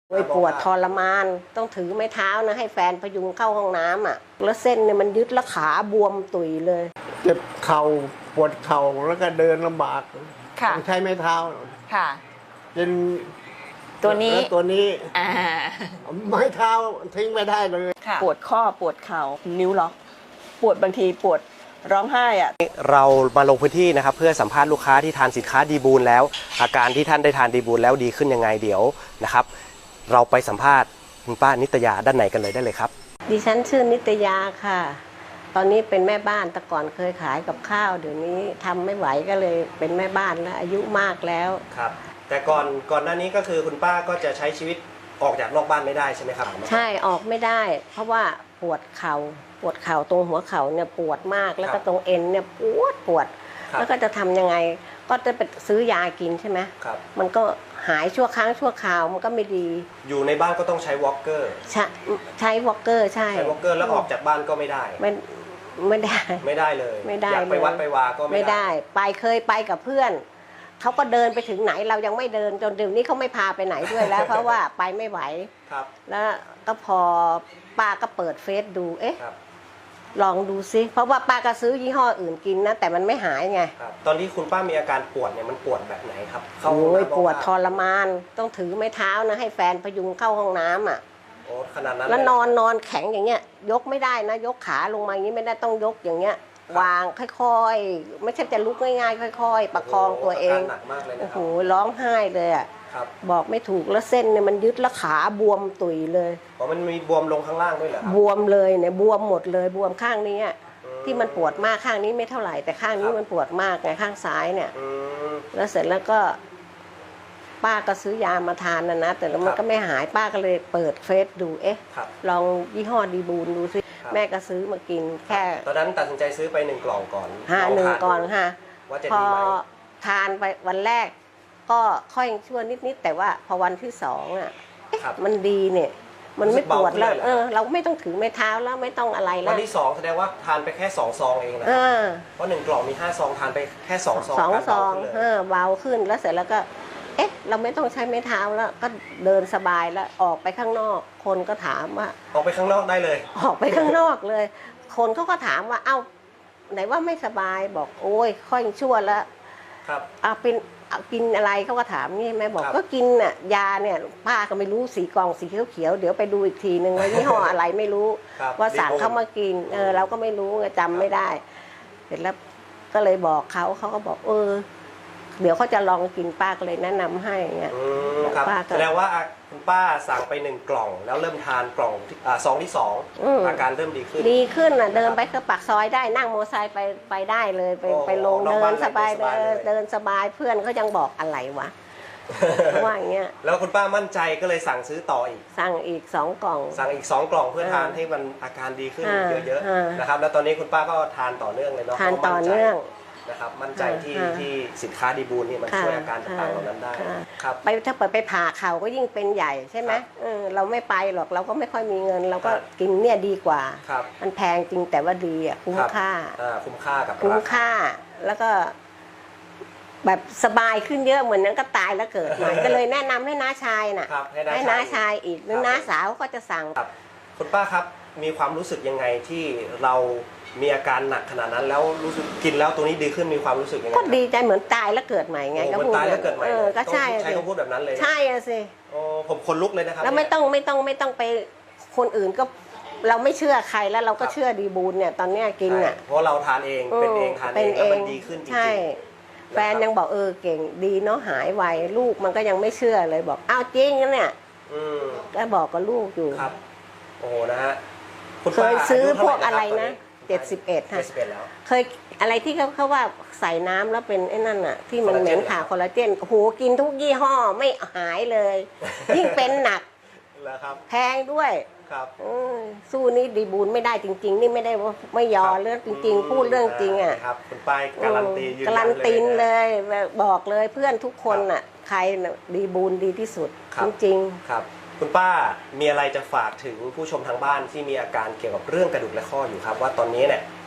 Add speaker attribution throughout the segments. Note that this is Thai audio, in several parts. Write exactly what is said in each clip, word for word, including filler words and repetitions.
Speaker 1: โอ้ยปวดทรมานต้องถือไม้เท้านะให้แฟนพยุงเข้าห้องน้ำอ่ะแล้วเส้นเนี่ยมันยึดแล้วขาบวมตุยเลย
Speaker 2: เจ็บเข่าปวดเข่าแล้วก็เดินลำบากต้องใช้ไม้เท้า
Speaker 3: ค่ะ
Speaker 2: เป็น
Speaker 3: ตัวนี้
Speaker 2: ตัวนี้
Speaker 3: อ่า
Speaker 2: ไม้เท้าทิ้งไม่ได้เลย
Speaker 3: ปวดข้อปวดเข่านิ้วล็อกปวดบางทีปวดร้องไห้อ่ะ
Speaker 4: เรามาลงพื้นที่นะครับเพื่อสัมภาษณ์ลูกค้าที่ทานสินค้าดีบูลแล้วอาการที่ท่านได้ทานดีบูลแล้วดีขึ้นยังไงเดี๋ยวนะครับเราไปสัมภาษณ์คุณป้านิตยาด้านไหนกันเลยได้เลยครับ
Speaker 1: ดิฉันชื่อนิตยาค่ะตอนนี้เป็นแม่บ้านแต่ก่อนเคยขายกับข้าวเดี๋ยวนี้ทำไม่ไหวก็เลยเป็นแม่บ้านแล้วอายุมากแล้ว
Speaker 4: ครับแต่ก่อนก่อนหน้านี้ก็คือคุณป้าก็จะใช้ชีวิตออกจากนอกบ้านไม่ได้ใช่ไหมครับ
Speaker 1: ใช่ออกไม่ได้เพราะว่าปวดเข่าปวดเข่าตรงหัวเข่าเนี่ยปวดมากแล้วก็ตรงเอ็นเนี่ยปวดปวดแล้วก็จะทำยังไงก็จะไปซื้อยากินใช่ไหม
Speaker 4: ครับ
Speaker 1: มันก็หายชั่วครั้งชั่วคราวมันก็ไม่ดี
Speaker 4: อยู่ในบ้านก็ต้องใช้วอล์กเกอร์
Speaker 1: ใช้ใช้วอล์กเกอร์ใช่
Speaker 4: ใช้วอล์กเกอร์แล้วออกจากบ้านก็ไม่ได้
Speaker 1: ไม่ไม่ได้
Speaker 4: ไม่ได้เลย
Speaker 1: ไม่ได้
Speaker 4: อยากไปวัดไปวาก็
Speaker 1: ไม่ได้ไปเคยไปกับเพื่อนเขาก็เดินไปถึงไหนเรายังไม่เดินจนเดี๋ยวนี้เขาไม่พาไปไหนด้วยแล้ว เพราะว่าไปไม่ไหว
Speaker 4: ครับ
Speaker 1: แล้วก็พอป้าก็เปิดเฟซดูเอ๊ะลองดูซิเพราะว่าป้าก็ซื้อยี่ห้ออื่นกินนะแต่มันไม่หายไง
Speaker 4: ตอนที่คุณป้ามีอาการปวดเนี่ยมันปวดแบบไหนครับ
Speaker 1: โอ้ยปวดทรมานต้องถือไม้เท้านะให้แฟนพยุงเข้าห้องน้ำอ่ะ
Speaker 4: โอ้ขนาดนั้น
Speaker 1: แล้วนอนนอนแข็งอย่างเงี้ยยกไม่ได้นะยกขาลงมาอย่างนี้ไม่ได้ต้องยกอย่างเงี้ยวางค่อยๆไม่ใช่จะลุกง่ายๆค่อยๆประคองตัวเอง
Speaker 4: หนักมากเลยนะ
Speaker 1: โอ้โหร้องไห้เลยอ่ะบอกไม่ถูกแล้วเส้นเนี่ยมันยึดแล้วขาบวมตุยเลย
Speaker 4: อ๋อมันมีบวมลงข้างล่างด้วยเหรอบ
Speaker 1: วมเลยเนี่ยบวมหมดเลยบวมข้างนี้ที่มันปวดมากข้างนี้ไม่เท่าไหร่แต่ข้างนี้มันปวดมากไงข้างซ้ายเนี่ยแล้วเสร็จแล้วก็ป้าก็ซื้อยามาทานนะนะแต่แล้วมันก็ไม่หายป้าก็เลยเปิดเฟซดูเอ๊ะลองยี่ห้อดีบูลดูซิแม่ก็ซื้อมากินแค่
Speaker 4: ตอนนั้นตัดสินใจซื้อไปหนึ่งกล่องก่อน
Speaker 1: ห้าหนึ่งก่อนค่ะพอทานไปวันแรกก็ค่อยชั่วนิดๆแต่ว่าพอวันที่สองอ่ะมันดีเนี่ยมันไม่ปวดแล้วเออเราไม่ต้องถือไม้เท้าแล้วไม่ต้องอะไรแล้ว
Speaker 4: วันที่สองแสดงว่าทานไปแค่สองซองเองนะเพราะหนึ่งกล่องมีห้าซองทานไปแค่สองซอง
Speaker 1: สองซองเออเบาขึ้นแล้วเสร็จแล้วก็เอ๊ะเราไม่ต้องใช้ไม้เท้าแล้วก็เดินสบายแล้วออกไปข้างนอกคนก็ถามว่า
Speaker 4: ออกไปข้างนอกได้เลย
Speaker 1: ออกไปข้างนอกเลยคนเขาก็ถามว่าเอ้าไหนว่าไม่สบายบอกโอ้ยค่อยชั่วแล้ว
Speaker 4: ครับ
Speaker 1: เอาเป็นกินอะไรเขาก็ถามนี่แม่บอกก็กินน่ะยาเนี่ยป้าก็ไม่รู้สีกล่องสีเขียวๆเดี๋ยวไปดูอีกทีนึงว่ายี่ห้ออะไรไม่รู้ว่าสั่งเขามากินเออเราก็ไม่รู้จำไม่ได้เสร็จแล้วก็เลยบอกเขาเขาก็บอกเออเดี๋ยวเขาจะลองกินป้าก็เลยแนะนำให้เงี้ย
Speaker 4: ป้าแสดงว่าคุณป้าสั่งไปหนึ่งกล่องแล้วเริ่มทานกล่องซองที่สองอาการเริ่มดีขึ้น
Speaker 1: ดีขึ้นอ่ะเดินไปก็ปากซอยได้นั่งมอเตอร์ไซค์ไปไปได้เลยไปไปลงเดินสบายเดินเดินสบายเพื่อนเขายังบอกอะไรวะว่าอย่างเงี้ย
Speaker 4: แล้วคุณป้ามั่นใจก็เลยสั่งซื้อต่ออีก
Speaker 1: สั่งอีกสองกล่อง
Speaker 4: สั่งอีกสองกล่องเพื่อทานให้มันอาการดีขึ้นเยอะๆนะครับแล้วตอนนี้คุณป้าก็ทานต่อเนื่องเลยเนาะ
Speaker 1: ทานต่อเนื่อง
Speaker 4: นะครับมั่นใจที่ที่สินค้าดีบูลนี่มันช่วยอาการต่างๆเหล่านั้นได้ครับ
Speaker 1: ไปถ้าเปิดไปผ่าเข่าก็ยิ่งเป็นใหญ่ใช่ไหมเออเราไม่ไปหรอกเราก็ไม่ค่อยมีเงินเราก็กินเนี่ยดีกว่ามันแพงจริงแต่ว่าดีอ่ะคุ้มค่า
Speaker 4: คุ้มค่ากับ
Speaker 1: คุ้มค่าแล้วก็แบบสบายขึ้นเยอะเหมือนนั้นก็ตายแล้วเกิดใหม่ก็เลยแนะนำให้น้าชายน่ะให้น้าชายอีกหรือน้าสาวก็จะสั่ง
Speaker 4: คุณป้าครับมีความรู้สึกยังไงที่เรามีอาการหนักขนาดนั้นแล้วรู้สึกกินแล้วตัวนี้ดีขึ้นมีความรู้สึกยังไง
Speaker 1: ก็ดีใจเหมือนตายแล้วเกิดใหม่ไง
Speaker 4: ก็พูดตายแล้วเกิดใหม่
Speaker 1: ก็ใช่
Speaker 4: ใช้คำพูดแบบนั้นเลย
Speaker 1: ใช่สิ
Speaker 4: โอ้ผมคนลุกเลยนะครับ
Speaker 1: แล้วไม่ต้องไม่ต้องไม่ต้องไปคนอื่นก็เราไม่เชื่อใครแล้วเราก็เชื่อดีบูลเนี่ยตอนนี้กินอ่ะ
Speaker 4: เพราะเราทานเองเป็นเองทานเองแล้วมันดีขึ้นจริงๆใช่
Speaker 1: แฟนยังบอกเออเก่งดีเนาะหายไวลูกมันก็ยังไม่เชื่อเลยบอกอ้าวจริงนะเนี่ยก็บอกกับลูกอยู่
Speaker 4: ครับโอ้นะฮะ
Speaker 1: เคยซื้อพวกอะไรนะเจ็ดสิบเอ็ดค่ะเคยอะไรที่เขาเขาว่าใส่น้ำแล้วเป็นไอ้นั่นอ่ะที่มันเหม็นขาคอลลาเจนโอ้โหกินทุกยี่ห้อไม่หายเลยยิ่งเป็นหนักแพงด้วยสู้นี่ดีบูลไม่ได้จริงๆนี่ไม่ได้ว่าไม่ยอเรื่องจริงๆพูดเรื่องจริงอ่ะ
Speaker 4: ครับคุณป้ายการันตียืนยันเลย
Speaker 1: การันตีเลยบอกเลยเพื่อนทุกคนอ่ะใครดีบูลดีที่สุดจริง
Speaker 4: ๆครับคุณป้ามีอะไรจะฝากถึงผู้ชมทางบ้านที่มีอาการเกี่ยวกับเรื่องกระดูกและข้ออยู่ครับว่าตอนนี้เนี่ย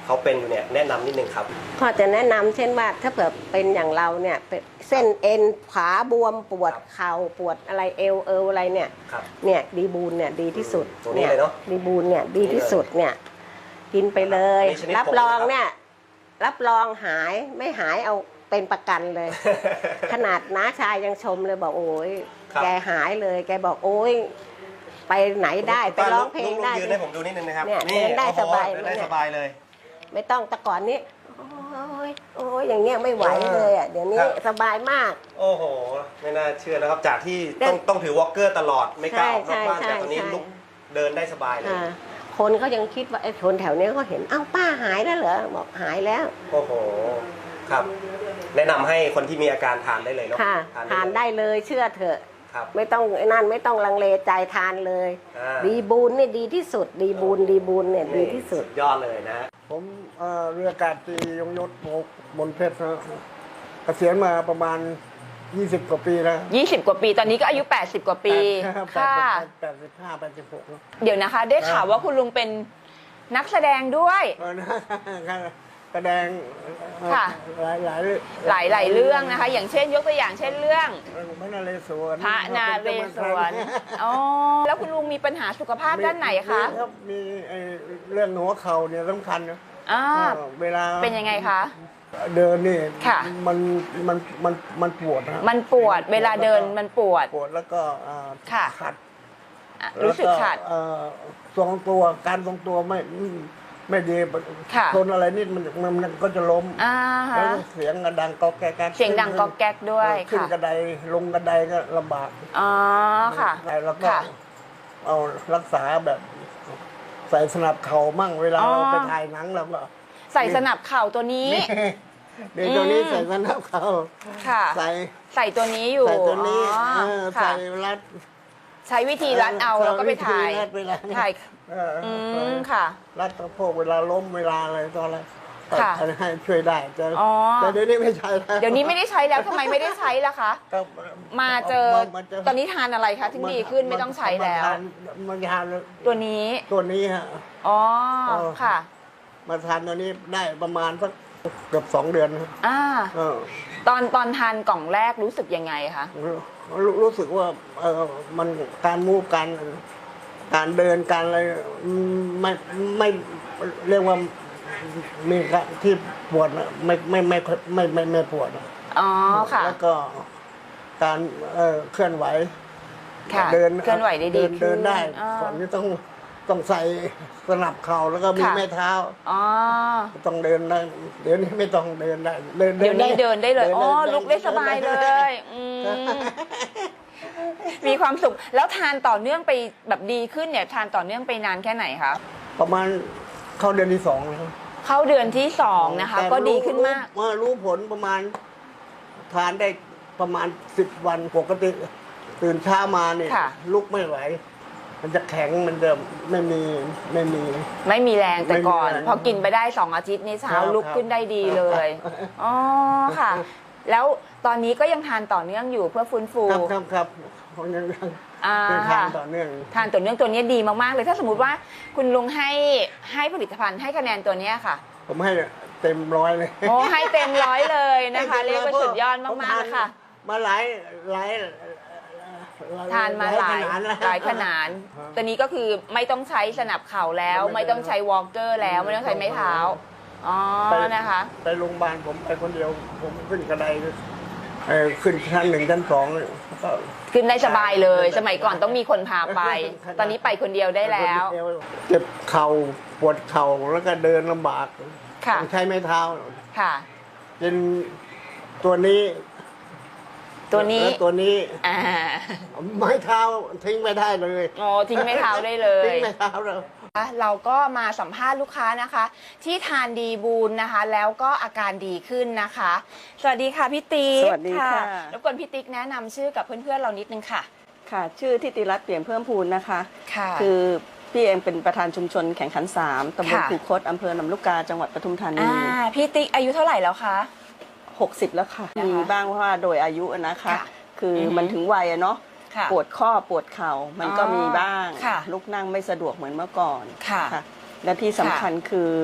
Speaker 4: เขาเป็นอยู่เนี่ยแนะนำนิดนึงครับ
Speaker 1: ก็จะแนะนำเช่นว่าถ้าเผื่อเป็นอย่างเราเนี่ยเป็นเส้นเอ็นขาบวมปวด
Speaker 4: ครับ
Speaker 1: เข่าปวดอะไรเอวเอวอะไรเนี่ย
Speaker 4: ครับ
Speaker 1: เนี่ยดีบูนเนี่ยดีที่สุด
Speaker 4: ตัวนี้เลยเนอะ
Speaker 1: ดีบูนเนี่ยดีที่สุดเนี่ยกินไปเลย
Speaker 4: นี่ชนิด
Speaker 1: รับ
Speaker 4: ผง
Speaker 1: รอง
Speaker 4: นะครับ
Speaker 1: เนี่ยรับรองหายไม่หายเอาเป็นประกันเลย ขนาดน้าชายยังชมเลยบอกโอ้ย
Speaker 4: ครับ
Speaker 1: แกหายเลย แกบอกโอ้ยไปไหนได้ไปร้องเพลงได้
Speaker 4: กยืนให้ผมดูนิดนึงนะครับ
Speaker 1: เนี่ยเดินได้
Speaker 4: โอ้โห
Speaker 1: สบาย
Speaker 4: เดินได้
Speaker 1: เนี่ย
Speaker 4: สบายเลย
Speaker 1: ไม่ต้องแต่ก่อนนี้โอ้ยโอ้ยอย่างเงี้ยไม่ไหวเลยอ่ะเดี๋ยวนี้
Speaker 4: ครับ
Speaker 1: สบายมาก
Speaker 4: โอ้โห ไม่น่าเชื่อนะครับ จากที่
Speaker 1: เดิน
Speaker 4: ต้องต้องถือวอล์กเกอร์ตลอดไม่กล้าออกนอกบ้าน
Speaker 1: ใช่
Speaker 4: แต่ตอนนี้
Speaker 1: ใช่
Speaker 4: ลุกเดินได้สบายเลย
Speaker 1: อ่าคนเขายังคิดว่าไอ้คนแถวเนี้ยเขาเห็นเอ้าป้าหายแล้วเหรอบอกหายแล้ว
Speaker 4: โอ้โห ครับ แนะนำให้คนที่มีอาการทานได้เลยเนาะ
Speaker 1: ค่ะทานได้เลยเชื่อเถอะ
Speaker 4: ครับ
Speaker 1: ไม่ต้องไอ้นั่นไม่ต้องลังเลใจทานเลย
Speaker 4: อ่า
Speaker 1: ดีบูนนี่ดีที่สุด ดีบูนดีบูนเนี่ยดีที่สุด
Speaker 4: ยอดเลยนะฮะ
Speaker 2: ผมเอ่อเรืออากาศตรียงยศโมกมนเพชรนะเกษียณมาประมาณ ยี่สิบ กว่าปีแล้ว
Speaker 3: ยี่สิบ กว่าปีตอนนี้ก็อายุ แปดสิบ กว่าปี
Speaker 2: แปด
Speaker 3: ค่ะ
Speaker 2: แปดสิบห้าแปดสิบหกแล้ว
Speaker 3: เดี๋ยวนะคะ ได้ข่าวว่าคุณลุงเป็นนักแสดงด้วย
Speaker 2: เออนะแสดงเอ่อ
Speaker 3: ค่ะ
Speaker 2: หลายหลาย
Speaker 3: หลายหลายๆเรื่องนะคะ อย่างเช่นยกตัวอย่างเช่นเรื่อง
Speaker 2: พระนาเรศวร
Speaker 3: พระนาเรศวรอ๋อแล้วคุณลุงมีปัญหาสุขภาพด้านไหนคะ
Speaker 2: มีรับมีไอ้เรื่องหัวเข่าเนี่ยสำคัญนะ
Speaker 3: อ่า
Speaker 2: เออเวลา
Speaker 3: เป็นยังไงคะ
Speaker 2: เดินนี่
Speaker 3: ค่ะ
Speaker 2: มันมันมันมันปวดนะ
Speaker 3: มันปวดเวลาเดินมันปวด
Speaker 2: ปวดแล้วก็อ่า
Speaker 3: ค่ะ
Speaker 2: ขัด
Speaker 3: อ่ะรู้สึกขัด
Speaker 2: แล้วเอ่อทรงตัวการทรงตัวไม่ไม่ดี
Speaker 3: ค่ะ
Speaker 2: ชนอะไรนิดมันมันมันก็จะล้ม
Speaker 3: อ่า
Speaker 2: แล้ว
Speaker 3: ฮะ
Speaker 2: เสียงกระดังก๊อกแก๊ก
Speaker 3: เสียงดังก๊อกแก๊กด้วย
Speaker 2: ขึ้น
Speaker 3: ค่ะ
Speaker 2: กระไดลงกระไดก็ลำบาก
Speaker 3: อ๋อค่ะ
Speaker 2: แล้วก็
Speaker 3: ค่ะ
Speaker 2: เอารักษาแบบ ใส่สนับเข่ามั่งเวลา
Speaker 3: อ๋อ
Speaker 2: เราไปถ่ายหนังเราก็
Speaker 3: ใส่สนับเข่าตัวนี้
Speaker 2: เดี๋ยวตัวนี้
Speaker 3: อืม
Speaker 2: ใส่สนับเข่า
Speaker 3: ค่ะ
Speaker 2: ใส่
Speaker 3: ใส่ตัวนี้อยู่
Speaker 2: ใส่ตัวนี้
Speaker 3: อ๋อ
Speaker 2: เออ
Speaker 3: ค่ะ
Speaker 2: ใส่รัด
Speaker 3: ใช้วิธีรัดเอาแล้วก็ไปถ่าย
Speaker 2: รัดเวลา
Speaker 3: ถ่าย
Speaker 2: เอออ
Speaker 3: อืมค่ะ
Speaker 2: รัดสะโพกเวลาล้มเวลาอะไรตอนอะไร
Speaker 3: ค่ะ
Speaker 2: ให้ช่วยได้แต่
Speaker 3: อ๋อ
Speaker 2: แต่เดี๋ยวนี้ไม่ใช่แล้ว
Speaker 3: เดี๋ยวนี้ไม่ได้ใช้แล้วทำไมไม่ได้ใช้ล่ะคะ
Speaker 2: ก็
Speaker 3: มาเจอ
Speaker 2: มาเจ
Speaker 3: ตอนนี้ทานอะไรคะถึงดีขึ้นไม่ต้องใช้แล้ว
Speaker 2: มาทานมาทาน
Speaker 3: ตัวนี้
Speaker 2: ตัวนี้ฮะ
Speaker 3: อ๋อ
Speaker 2: เออ
Speaker 3: ค่ะ
Speaker 2: มาทานตัวนี้ได้ประมาณสักเกือบสองเดือนครับ
Speaker 3: อ่า
Speaker 2: เออ
Speaker 3: ตอนตอนทานกล่องแรกรู้สึกยังไงคะ
Speaker 2: รู้รู้สึกว่าเออมันการมูฟการการเดินการอะไรไม่ไม่เรียกว่ามีการที่ปวดนะไม่ไม่ไม่ไม่ไม่ไม่ปวดนะ
Speaker 3: อ๋อค่ะ
Speaker 2: แล้วก็การเอ่อเคลื่อนไหว
Speaker 3: ค่ะ
Speaker 2: เดิน
Speaker 3: เคลื่อนไหวได้ดี
Speaker 2: เดินเดินได้
Speaker 3: ขึ้นอ่า
Speaker 2: ก่อนนี้ต้องต้องใส่สนับเข่าแล้วก็มี
Speaker 3: ค่ะ
Speaker 2: แม่เท้า
Speaker 3: อ๋อ
Speaker 2: ต้องเดินได้เดี๋ยวนี้ไม่ต้องเดินได้เดิน
Speaker 3: เดี๋ยวนี้เดินได้เลย อ๋อ ลุกได้สบายเล
Speaker 2: ดินได้
Speaker 3: ยอืมมีความสุข แล้วทานต่อเนื่องไปแบบดีขึ้นเนี่ย ทานต่อเนื่องไปนานแค่ไหนคะ
Speaker 2: ประมาณเข้าเดือนที่สองแล้ว
Speaker 3: เข้าเดือนที่สองนะคะ
Speaker 2: แต่
Speaker 3: ก็ดีขึ้นมาก
Speaker 2: รู้รู้ผลประมาณทานได้ประมาณสิบวันปกติ ตื่นเช้ามาเนี่ย
Speaker 3: ค่ะ
Speaker 2: ลุกไม่ไหว มันจะแข็งมันจะไม่มีไม่มี
Speaker 3: ไม่มีแรงแต่ก่อน
Speaker 2: ไม่มีแรง
Speaker 3: พอกินไปได้สองอาทิตย์นี่เช้า
Speaker 2: ครับ
Speaker 3: ลุกขึ้นได้ดีเลย
Speaker 2: ครับ
Speaker 3: อ๋อค่ะ แล้วตอนนี้ก็ยังทานต่อเนื่องอยู่เพื่อฟื้นฟู
Speaker 2: ครับครับครับผมยังยัง
Speaker 3: อ่า
Speaker 2: ยังทานต่อเนื่อง
Speaker 3: ทานต่อเนื่องตัวนี้ดีมากๆเลย ถ้าสมมติว่าคุณลุงให้ให้ผลิตภัณฑ์ให้คะแนนตัวเนี้ยค่ะ
Speaker 2: ผมให้เต็มร้อยเลย
Speaker 3: โอ้ให้เต็มร้อยเลยนะคะ
Speaker 2: ให้
Speaker 3: เรียก
Speaker 2: ต็
Speaker 3: ว่า
Speaker 2: ร้
Speaker 3: สุดยอด
Speaker 2: ผม
Speaker 3: มากๆเลยค่ะ
Speaker 2: มาหลายหลาย
Speaker 3: ทานมาหลาย
Speaker 2: ขนดแล้ว
Speaker 3: หลายขนาดตัวนี้ก็คือไม่ต้องใช้สนับเข่าแล้ว
Speaker 2: ไม่
Speaker 3: ไม่
Speaker 2: ต้
Speaker 3: ต้
Speaker 2: อ
Speaker 3: อง งใช้วอล์กเกอร์แล้ว ไม่ต้องใช้ไม้เท้า อ๋อ
Speaker 2: ไป
Speaker 3: นะคะ
Speaker 2: ไปโรงพยาบาลผมไปคนเดียว ผมขึ้นกระไดเอ่อขึ้นชั้นหนึ่งชั้นสองก็
Speaker 3: ขึ้นได้สบายเลย สมัยก่อนต้องมีคนพาไป ตอนนี้ไปคนเดียวได้แล้ว
Speaker 2: เจ็บเข่าปวดเข่าแล้วก็เดินลำบาก
Speaker 3: ค่ะ
Speaker 2: ต้องใช้ไม้เท้า
Speaker 3: ค่ะ
Speaker 2: เป็นตัวนี้
Speaker 3: ตัวนี้
Speaker 2: และตัวนี้
Speaker 3: อ่า
Speaker 2: ไม้เท้าทิ้งไม่ได้เลย
Speaker 3: โอ้ทิ้งไม้เท้าได้เลย
Speaker 2: ทิ้งไม้เท้าเลย
Speaker 3: เราก็มาสัมภาษณ์ลูกค้านะคะ ที่ทานดีบูนนะคะ แล้วก็อาการดีขึ้นนะคะ สวัสดีค่ะพี่ติ๊ก
Speaker 1: สวัสดีค่ะ
Speaker 3: รบกวนพี่ติ๊กแนะนำชื่อกับเพื่อนๆเรานิดนึงค่ะ
Speaker 5: ค่ะชื่อทิติรัตน์เปี่ยมเพิ่มพูนนะคะ
Speaker 3: ค่ะ
Speaker 5: คือพี่เองเป็นประธานชุมชนแข่งขันสามตำบล
Speaker 3: ค่ะ
Speaker 5: คูคตอำเภอลำลูกกาจังหวัดปทุมธานี
Speaker 3: อ่าพี่ติ๊กอายุเท่าไหร่แล้วคะ
Speaker 5: หกสิบแล้วค่ะ
Speaker 3: นะคะ
Speaker 5: มีบ้างเพราะว่าโดยอายุนะคะ
Speaker 3: ค่ะ
Speaker 5: คืออ
Speaker 3: อฮึ
Speaker 5: มันถึงวัยอะเนาะ
Speaker 3: ค่ะ
Speaker 5: ปวดข้อปวดเข่ามันก็
Speaker 3: อ๋อ
Speaker 5: มีบ้าง
Speaker 3: ค่ะ
Speaker 5: ลุกนั่งไม่สะดวกเหมือนเมื่อก่อน
Speaker 3: ค่ะ
Speaker 5: และที่สำคัญคือ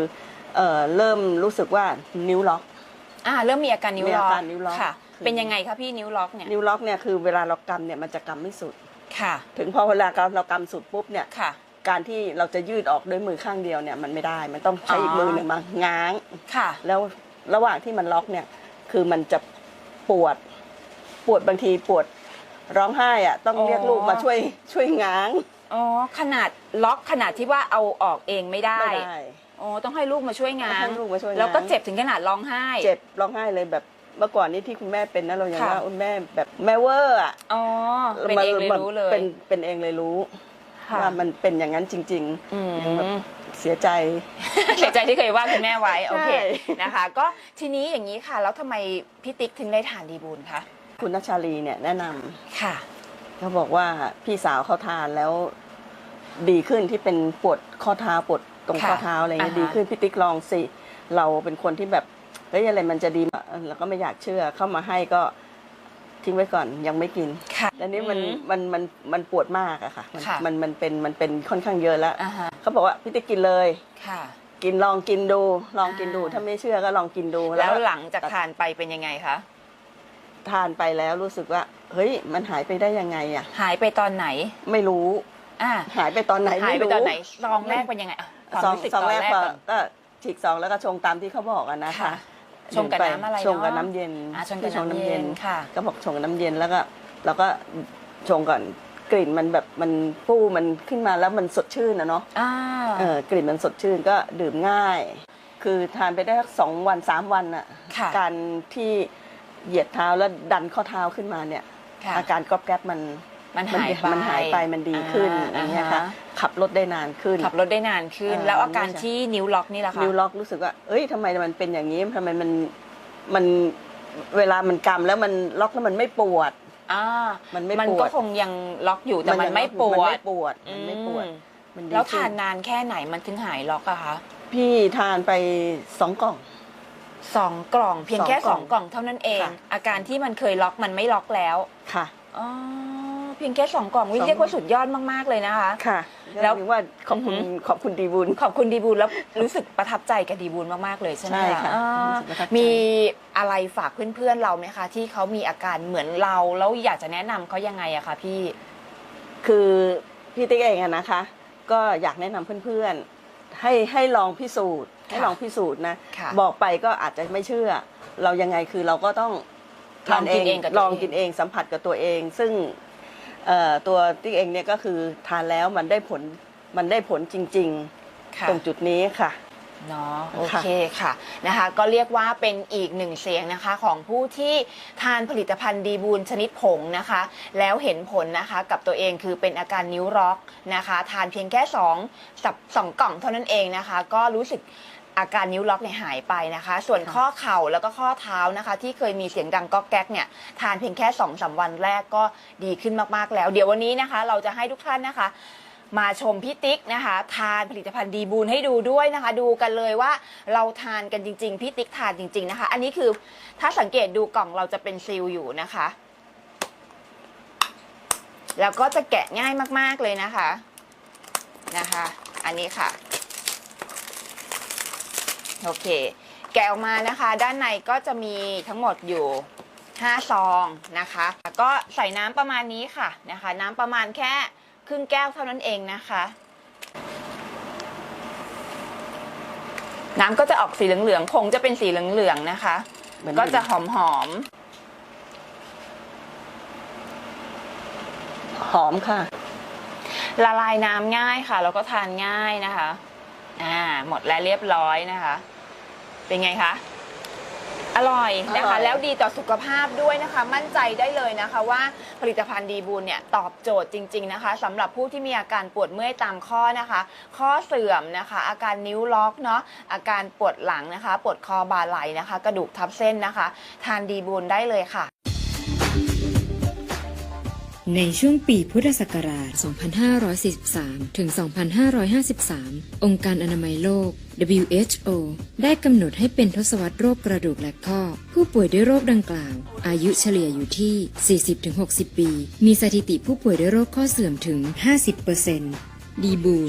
Speaker 5: เอ่อเริ่มรู้สึกว่านิ้วล็อก
Speaker 3: อ่าเริ่มมีอาการนิ้ว
Speaker 5: มี
Speaker 3: ล็
Speaker 5: อา
Speaker 3: อก
Speaker 5: การนิ้วล็อก
Speaker 3: ค่ะ
Speaker 5: คือ
Speaker 3: เป็นยังไงคะพี่นิ้วล็อกเนี่ย
Speaker 5: นิ้วล็อกเนี่ยคือเวลาเรากำเนี่ยมันจะกำไม่สุด
Speaker 3: ค่ะ
Speaker 5: ถึงพอเวลาเรากำสุดปุ๊บเนี่ย
Speaker 3: ค่ะ
Speaker 5: การที่เราจะยืดออกด้วยมือข้างเดียวเนี่ยมันไม่ได้ มันต้องใช้อีกมือหนึ่งมาง้าง
Speaker 3: ค่ะ
Speaker 5: แล้วระหว่างที่มันล็อกเนี่ยคือมันจะปวดปวดบางทีปวดร้องไห้อะต้อง
Speaker 3: อ๋อ
Speaker 5: เรียกลูกมาช่วยช่วยง้าง
Speaker 3: อ๋อขนาดล็อกขนาดที่ว่าเอาออกเองไม่ได้
Speaker 5: ไม่ได้
Speaker 3: อ๋อต้องให้ลูกมาช่วยงา
Speaker 5: ต้อง
Speaker 3: น
Speaker 5: ให้ลูกมาช่วยงาน
Speaker 3: แล้วก็เจ็บถึงขนาดร้องไห้
Speaker 5: เจ็บร้องไห้เลยแบบเมื่อก่อนนี้ที่คุณแม่เป็นนะเรายัง
Speaker 3: ค่ะ
Speaker 5: ว่าคุณแม่แบบแม่เวอร์อะ
Speaker 3: อ๋อเป็นเองเลยรู้เลย
Speaker 5: เป็นเป็นเองเลยรู้
Speaker 3: ค่ะ
Speaker 5: ว่ามันเป็นอย่างนั้นจริง
Speaker 3: อืม
Speaker 5: ๆยังแบบเสียใจ
Speaker 3: เสียใจที่เคยว่าคุณแม่ไว้โอเค
Speaker 5: ใช่
Speaker 3: นะคะ ก็ทีนี้อย่างนี้ค่ะ แล้วทำไมพี่ติ๊กถึงได้ทานดีบูลคะ
Speaker 5: คุณนัชชาลีเนี่ยแนะนำ
Speaker 3: ค่ะ
Speaker 5: เขาบอกว่าพี่สาวเขาทานแล้วดีขึ้นที่เป็นปวดข้อเท้าปวดตรง
Speaker 3: ค่ะ
Speaker 5: ข้อเท้าอะไรเงี้ย
Speaker 3: อ่าฮะ
Speaker 5: ดีขึ้นพี่ติ๊กลองสิเราเป็นคนที่แบบเฮ้ยอะไรมันจะดีเราก็ไม่อยากเชื่อเข้ามาให้ก็ทิ้งไว้ก่อนยังไม่กิน
Speaker 3: ค่ะ
Speaker 5: แล้วนี้มัน
Speaker 3: อืม
Speaker 5: มันมันมันปวดมากอะค่ะมัน
Speaker 3: ค่ะ
Speaker 5: มันมันเป็นมันเป็นค่อนข้างเยอะแล้ว
Speaker 3: อ่าฮะ
Speaker 5: เขาบอกว่าพี่ติ๊กกินเลย
Speaker 3: ค่ะ
Speaker 5: กินลองกินดู ลองกินดู
Speaker 3: อ่า
Speaker 5: ถ้าไม่เชื่อก็ลองกินดู
Speaker 3: แล้วหลังจากทานไปเป็นยังไงคะ
Speaker 5: ทานไปแล้วรู้สึกว่า เฮ้ยมันหายไปได้ยังไงอะ
Speaker 3: หายไปตอนไหน
Speaker 5: ไม่รู้
Speaker 3: อ่า
Speaker 5: หายไปตอนไหน
Speaker 3: หาย
Speaker 5: ไม่
Speaker 3: ไป
Speaker 5: รู้
Speaker 3: ตอนไหนซองแรกเป็นยังไงอ่ะความ
Speaker 5: ซอง
Speaker 3: รู้สึก
Speaker 5: ซอง
Speaker 3: ตอน
Speaker 5: แรก
Speaker 3: แรก
Speaker 5: ก็
Speaker 3: ก่อน
Speaker 5: ก็ฉีกซองแล้วก็ชงตามที่เขาบอกอะนะคะ
Speaker 3: ค่ะชงกับน้ำอะไรเนอะ
Speaker 5: ชงกับน้ำเย็น
Speaker 3: อ่าชงกับน้ำเย็นค่ะ
Speaker 5: ก็บอกชงกับน้ำเย็นแล้วก็แล้วก็ชงก่อนกลิ่นมันแบบมันฟู่มันขึ้นมาแล้วมันสดชื่นนะเนาะ
Speaker 3: อ่า
Speaker 5: เออกลิ่นมันสดชื่นก็ดื่มง่าย คือทานไปได้สักสองวันสามวันอะ
Speaker 3: ค่ะ
Speaker 5: การที่เหยียดเท้าแล้วดันข้อเท้าขึ้นมาเนี่ย
Speaker 3: ค่ะ
Speaker 5: อาการก๊อบแก๊บมัน
Speaker 3: มันหายไป
Speaker 5: มันหายไปมันดีขึ้น
Speaker 3: อ่า
Speaker 5: อย่างเงี้ยค่ะ
Speaker 3: อ่าฮะ
Speaker 5: ขับรถได้นานขึ้น
Speaker 3: ขับรถได้นานขึ้น
Speaker 5: เออ
Speaker 3: แล้วอาการ
Speaker 5: ไม่ใช่
Speaker 3: ที่นิ้วล็อกนี่แหละคะ
Speaker 5: นิ้วล็อกรู้สึกว่า เอ้ยทำไมมันเป็นอย่างนี้ทำไมมันมันเวลามันกำแล้วมันล็อกแล้วมันไม่ปวด
Speaker 3: อ่า
Speaker 5: มันไม่
Speaker 3: มัน
Speaker 5: ปวด
Speaker 3: ก็คงยังล็อกอยู่แต่มันไม่ปว
Speaker 5: มัน
Speaker 3: ด
Speaker 5: ไม่ปวดมันไม่ปวด
Speaker 3: อืม
Speaker 5: มันดี
Speaker 3: แล้ว
Speaker 5: ขึ้
Speaker 3: ทานนานแค่ไหนมันถึงหายล็อกอะคะ
Speaker 5: พี่ทานไปสองกล่อง
Speaker 3: สองกล่องเพียงแค่
Speaker 5: ส
Speaker 3: ส
Speaker 5: อ
Speaker 3: อง ง
Speaker 5: ก
Speaker 3: ก
Speaker 5: ล่
Speaker 3: ล่
Speaker 5: อ
Speaker 3: อง งเท่านั้นเอง
Speaker 5: ค่ะ
Speaker 3: อาการที่มันเคยล็อกมันไม่ล็อกแล้ว
Speaker 5: ค่ะ
Speaker 3: อ๋อเพียงแค่สองกล่องวิ
Speaker 5: สอง
Speaker 3: เรียกว่าสุดยอดมากๆเลยนะคะ
Speaker 5: ค่ะ
Speaker 3: แล้
Speaker 5: แล้ว วถึงว่าขอบคุณ
Speaker 3: อือหือ
Speaker 5: ขอบคุณดีบุญ
Speaker 3: ขอบคุณดีบูลแล้วรู้สึกประทับใจกับดีบูลมากๆเลยใช่ไหม
Speaker 5: ใช่ค่ะ
Speaker 3: อ่า
Speaker 5: รู้สึกประทับใจ
Speaker 3: มีอะไรฝากเพื่อนๆเราไหมคะ ที่เขามีอาการเหมือนเราแล้วอยากจะแนะนำเขายังไงอะคะพี่
Speaker 5: คือพี่ติ๊กเองอะนะคะ ก็อยากแนะนำเพื่อนๆ ให้ให้ลองพิสูจน์ ให้ลองพิสูจน์นะ
Speaker 3: ค่ะ
Speaker 5: บอกไปก็อาจจะไม่เชื่อ เรายังไงคือเราก็ต้อง
Speaker 3: ลองกินเองกับตัวเอง
Speaker 5: ลองกินเองสัมผัสกับตัวเอง ซึ่งเอ่อตัวติ๊กเองเนี่ยก็คือทานแล้วมันได้ผลมันได้ผลจริง
Speaker 3: ค่ะ
Speaker 5: ๆ ตรงจุดนี้ค่ะ
Speaker 3: เนาะโอเคค่ะนะคะ ก็เรียกว่าเป็นอีกหนึ่งเสียงนะคะของผู้ที่ทานผลิตภัณฑ์ดีบูลชนิดผงนะคะ แล้วเห็นผลนะคะกับตัวเองคือเป็นอาการนิ้วล็อกนะคะ ทานเพียงแค่สองสับสองกล่องเท่านั้นเองนะคะ ก็รู้สึกอาการนิ้วล็อกเนี่ยหายไปนะคะ ส่วนข้อเข่าแล้วก็ข้อเท้านะคะ ที่เคยมีเสียงดังก๊อกแก๊กเนี่ยทานเพียงแค่สองสามวันแรกก็ดีขึ้นมากๆแล้ว เดี๋ยววันนี้นะคะ เราจะให้ทุกท่านนะคะ มาชมพี่ติ๊กนะคะทานผลิตภัณฑ์ดีบูลให้ดูด้วยนะคะ ดูกันเลยว่าเราทานกันจริงๆพี่ติ๊กทานจริงๆนะคะ อันนี้คือถ้าสังเกตดูกล่องเราจะเป็นซีลอยู่นะคะ แล้วก็จะแกะง่ายมากๆเลยนะคะนะคะ อันนี้ค่ะโอเคแกะออกมานะคะ ด้านในก็จะมีทั้งหมดอยู่ห้าซองนะคะก็ใส่น้ำประมาณนี้ค่ะนะคะ น้ำประมาณแค่ครึ่งแก้วเท่านั้นเองนะคะ น้ำก็จะออกสีเหลืองๆผงจะเป็นสีเหลืองๆนะคะ
Speaker 5: เหมือน
Speaker 3: ก็จะหอม
Speaker 5: หอมค่ะ
Speaker 3: ๆละลายน้ำง่ายค่ะแล้วก็ทานง่ายนะคะอ่าหมดแล้วเรียบร้อยนะคะ เป็นไงคะอร่อยนะ
Speaker 5: อร่
Speaker 3: คะ
Speaker 5: อย
Speaker 3: แล้วดีต่อสุขภาพด้วยนะคะ มั่นใจได้เลยนะคะว่าผลิตภัณฑ์ดีบูลเนี่ยตอบโจทย์จริงๆนะคะสำหรับผู้ที่มีอาการปวดเมื่อยตามข้อนะคะ ข้อเสื่อมนะคะ อาการนิ้วล็อกเนาะอาการปวดหลังนะคะ ปวดคอบ่าไหล่นะคะ กระดูกทับเส้นนะคะ ทานดีบูลได้เลยค่ะ
Speaker 6: ในช่วงปีพุทธศักราช สองพันห้าร้อยสี่สิบสาม ถึง สองพันห้าร้อยห้าสิบสาม องค์การอนามัยโลก ดับเบิลยู เอช โอ ได้กำหนดให้เป็นทศวรรษโรคกระดูกและข้อ ผู้ป่วยด้วยโรคดังกล่าว อายุเฉลี่ยอยู่ที่ สี่สิบถึงหกสิบ ปี มีสถิติผู้ป่วยด้วยโรคข้อเสื่อมถึง ห้าสิบเปอร์เซ็นต์ ดีบูล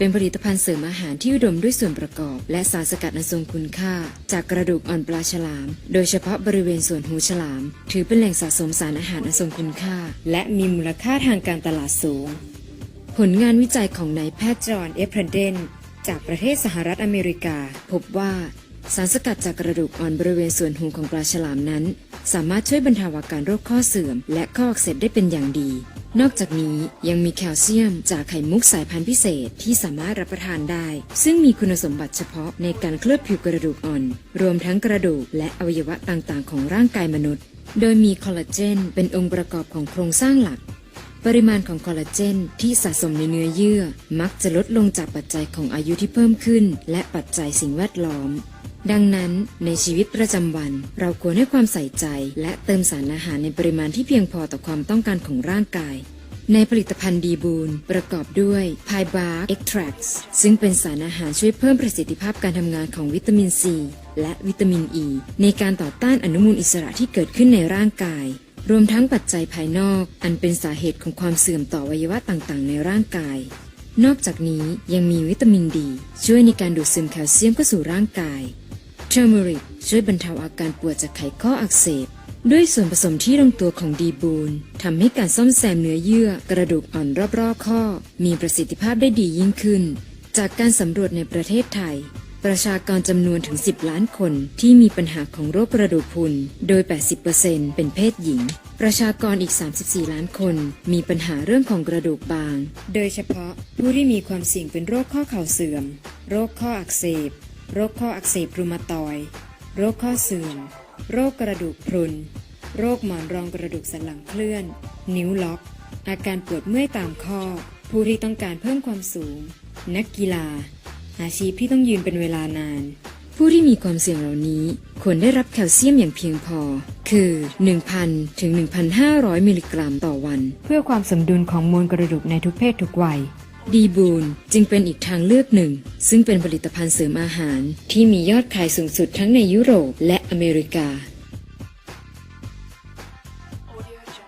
Speaker 6: เป็นผลิตภัณฑ์เสริมอาหารที่อุดมด้วยส่วนประกอบ และสารสกัดอันทรงคุณค่า จากกระดูกอ่อนปลาฉลาม โดยเฉพาะบริเวณส่วนหูฉลาม ถือเป็นแหล่งสะสมสารอาหารอันทรงคุณค่า และมีมูลค่าทางการตลาดสูง ผลงานวิจัยของนายแพทย์จอห์นเอฟเพรเดนจากประเทศสหรัฐอเมริกา พบว่าสารสกัดจากกระดูกอ่อนบริเวณส่วนหูของปลาฉลามนั้น สามารถช่วยบรรเทาอาการโรคข้อเสื่อม และข้ออักเสบได้เป็นอย่างดี นอกจากนี้ยังมีแคลเซียมจากไข่มุกสายพันธุ์พิเศษที่สามารถรับประทานได้ ซึ่งมีคุณสมบัติเฉพาะในการเคลือบผิวกระดูกอ่อน รวมทั้งกระดูกและอวัยวะต่างๆของร่างกายมนุษย์ โดยมีคอลลาเจนเป็นองค์ประกอบของโครงสร้างหลัก ปริมาณของคอลลาเจนที่สะสมในเนื้อเยื่อมักจะลดลงจากปัจจัยของอายุที่เพิ่มขึ้นและปัจจัยสิ่งแวดล้อมดังนั้นในชีวิตประจำวันเราควรให้ความใส่ใจและเติมสารอาหารในปริมาณที่เพียงพอต่อความต้องการของร่างกายในผลิตภัณฑ์ดีบูนประกอบด้วย Pie Bark Extracts ซึ่งเป็นสารอาหารช่วยเพิ่มประสิทธิภาพการทำงานของวิตามินซีและวิตามินอ e ีในการต่อต้านอนุมูลอิสระที่เกิดขึ้นในร่างกายรวมทั้งปัจจัยภายนอกอันเป็นสาเหตุของความเสื่อมต่ออวัยวะต่างๆในร่างกายนอกจากนี้ยังมีวิตามินดีช่วยในการดูดซึมแคลเซียมเข้าสู่ร่างกายเทอร์เมริกช่วยบรรเทาอาการปวดจากไขข้ออักเสบด้วยส่วนผสมที่ลงตัวของดีบูนทำให้การซ่อมแซมเนื้อเยื่อกระดูกอ่อนรอบๆข้อมีประสิทธิภาพได้ดียิ่งขึ้นจากการสำรวจในประเทศไทยประชากรจำนวนถึงสิบล้านคนที่มีปัญหาของโรคกระดูกพรุนโดย แปดสิบเปอร์เซ็นต์ เป็นเพศหญิงประชากรอีกสามสิบสี่ล้านคนมีปัญหาเรื่องของกระดูกบางโดยเฉพาะผู้ที่มีความเสี่ยงเป็นโรคข้อเข่าเสื่อมโรคข้ออักเสบโรคข้ออักเสบรูมาตอยด์โรคข้อเสื่อมโรคกระดูกพรุนโรคหมอนรองกระดูกสันหลังเคลื่อนนิ้วล็อกอาการปวดเมื่อยตามข้อผู้ที่ต้องการเพิ่มความสูงนักกีฬาอาชีพที่ต้องยืนเป็นเวลานานผู้ที่มีความเสี่ยงเหล่านี้ควรได้รับแคลเซียมอย่างเพียงพอคือ หนึ่งพัน ถึง หนึ่งพันห้าร้อย มิลลิกรัมต่อวันเพื่อความสมดุลของมวลกระดูกในทุกเพศทุกวัยดีบูนจึงเป็นอีกทางเลือกหนึ่งซึ่งเป็นผลิตภัณฑ์เสริมอาหารที่มียอดขายสูงสุดทั้งในยุโรปและอเมริกา